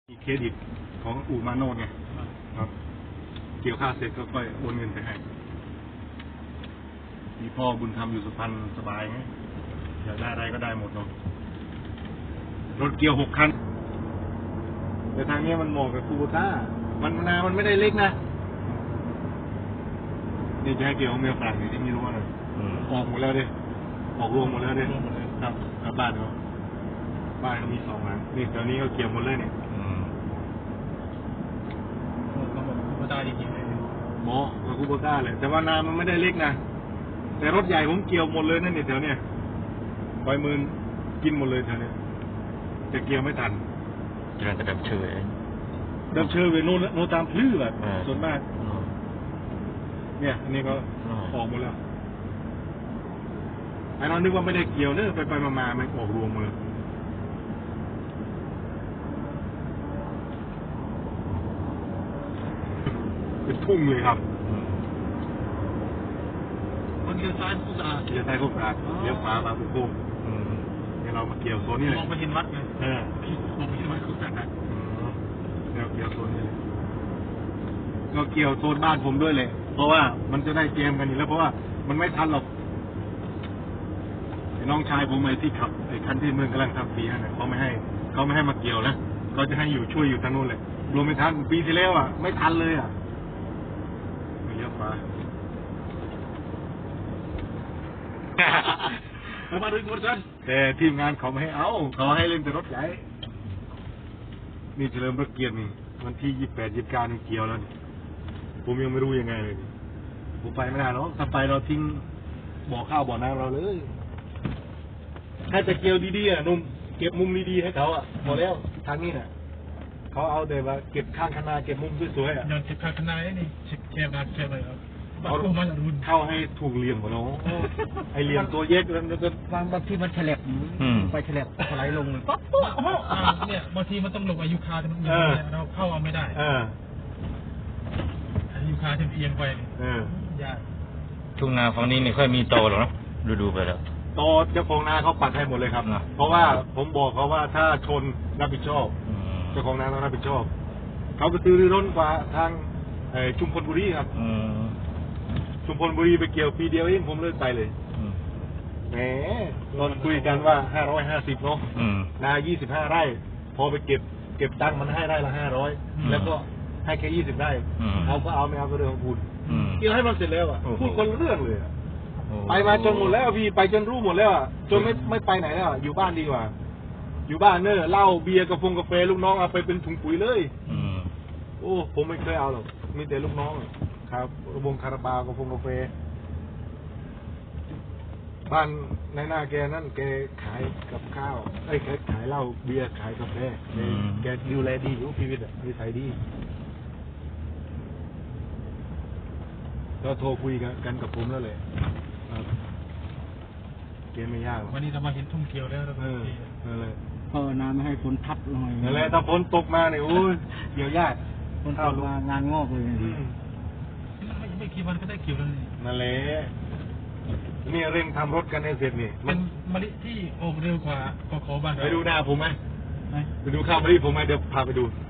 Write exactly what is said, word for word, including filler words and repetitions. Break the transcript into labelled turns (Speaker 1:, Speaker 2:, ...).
Speaker 1: มีเครดิตของอู่มาโนดไงครับเกี่ยวข้าวเสร็จก็ค่อยโอนเงินไปให้มีพ่อบุญธรรมอยู่สุพรรณสบายไงอยากได้อะไรก็ได้หมดเนาะรถเกี่ยวหกคันแต่ทางนี้มันเหมาะกับคูโบต้ามันนามันไม่ได้เล็กนะนี่จะให้เกี่ยวของเมียฝรั่งนี่ที่มีรู้ว่าอะไรออกหมดแล้วดิออกรวมหมดแล้วดิครับครับบ้านเขาบ้านเขามีสองหลังนี่ตอนนี้เขาเกี่ยวหมดเลยเนี่ย
Speaker 2: คูโบต้าจริงๆเลย
Speaker 1: หมอกับคูโบต้าเลยแต่ว่านามันไม่ได้เล็กนะแต่รถใหญ่ผมเกี่ยวหมดเลยนั่นเนี่ยแถวเนี้ยปล่อยมือกินหมดเลยแถวเนี้ยจะเกี่ยวไม่ทัน
Speaker 3: กำลังจะดับเชย
Speaker 1: ดับเชยไปโน่นโน่นตามพลื้อแบบส่วนมากเนี่ยอันนี้ก็ออกหมดแล้วไอ้น้องนึกว่าไม่ได้เกี่ยวเนอะไปไปมามามันออกรวมหมดเลยเป็นทุ่งเลยครับ
Speaker 2: มันเลี้ยวซ้ายคู่สะอาด
Speaker 1: เลี้ยวซ้ายคู่สะอาดเลี้ยวขวามาปุ๊บปุ๊บเนี่ยเรามาเกี่ยวโซนนี้เลย
Speaker 2: มองไปเห็นวัดไง
Speaker 1: เออ
Speaker 2: มองไปเห็นวัดคู่สะอาด
Speaker 1: เนี่ยเกี่ยวโซนนี้เลยก็เกี่ยวโซนบ้านผมด้วยเลยเพราะว่ามันจะได้เกมกันอยู่แล้วเพราะว่ามันไม่ทันหรอกน้องชายผมไอ้ที่ขับไอ้คันที่เมืองกำลังทำปีนั่นแหละเขาไม่ให้เขาไม่ให้มาเกี่ยวนะเขาจะให้อยู่ช่วยอยู่ทางนู้นเลยรวมไม่ทันปีที่แล้วอ่ะไม่ทันเลยอ่ะไม่เลี้ยวขวา
Speaker 2: มาดึงหมดกัน
Speaker 1: แต่ทีมงานเขาไม่ให้เอาเขาให้เล่นแต่รถใหญ่นี่เฉลิมพระเกียรตินี่วันที่ยี่สิบแปดยี่สิบเก้านี่เกี่ยวแล้วผมยังไม่รู้ยังไงเลยผมไปไม่ได้หรอกถ้าไปเราทิ้งบ่อข้าวบ่อน้ำเราเลยถ้าจะเกี่ยวดีๆอ่ะนุ่มเก็บมุมดีๆให้เขาอ่ะหมดแล้วทางนี้น่ะเขาเอาแต่ว่าเก็บข้างคณาเก็บมุมสวยๆอ่ะ
Speaker 2: ย้อนเก็บข้างคณานี่เช็คแคบนะแคบเลยครับเขา
Speaker 1: เข้าให้ถูกเหลี่ยมกว่าน้องไอเหลี่ยมตัวเย็กแล้วก็
Speaker 4: บางบางทีมันแฉลบไปแฉลบถลายลงเลย
Speaker 2: ป๊อปป๊อปเนี่ยบางทีมันต้องลงอายุคาแต่มันเราเข้าเอาไม่ได้อายุคาเทียงไปยาก
Speaker 3: ทุ่งนาฝั่งนี้ไม่ค่อยมีโตหรอกนะดูๆไปแล้ว
Speaker 1: โตเจ้าของนาเขาปัดให้หมดเลยครับเพราะว่าผมบอกเขาว่าถ้าชนรับผิดชอบเจ้าของนาต้องรับผิดชอบเขาไปซื้อรถกว่าทางชุมพลบุรีครับชุมพลบุรีไปเกี่ยวปีเดียวเองผมเลิกไปเลยแหมตอนคุยกันว่าห้าร้อยห้าสิบเนาะนายี่สิบห้าไร่พอไปเก็บเก็บตังค์มันให้ไร่ละห้าร้อยแล้วก็ให้แค่ยี่สิบไร่เอาก็เอาไม่เอาก็เรื่องของคุณเกี่ยวให้มันเสร็จแล้วอ่ะพูดคนเรื่องเลยไปมาจนหมดแล้วพี่ไปจนรู้หมดแล้วอ่ะจนไม่ไม่ไปไหนแล้วอยู่บ้านดีกว่าอยู่บ้านเนอะเหล้าเบียร์กาแฟกาแฟลูกน้องเอาไปเป็นถุงปุ๋ยเลยโอ้ผมไม่เคยเอาหรอกมีแต่ลูกน้องครับวงคาราบาวกาแฟกาแฟบ้านในหน้าแกนั่นแกขายกับข้าวไอ้แกขายเหล้าเบียร์ขายกาแฟแกดูแลดีอยู่ชีวิตอ่ะนิสัยดีก็โทรคุยกันกับผมแล้วเลยเกมไม่ยาก
Speaker 2: วันนี้เรามาเห็นทุ่งเขียวแล้ว
Speaker 1: เออนั่นเลย
Speaker 4: ภาวนาไม่ให้ฝนทับหน่อย
Speaker 1: นั่นแหละถ้าฝนตกมาเนี่ยโอ้ยเกี่ยวยาก
Speaker 4: ฝนตกมางานงอกเลย
Speaker 2: ไม่ไม่กี่วันก็ได้เกี่ยวแล้ว
Speaker 1: นั่นแหละนี่เร่งทำรถกันให้เสร็จนี่
Speaker 2: เป็นมะลิที่โอมเร็วกว่าขอขอบ้าน
Speaker 1: ไปดูหน้าผมไหมไปดูข้าวมะลิผมไหมเดี๋ยวพาไปดู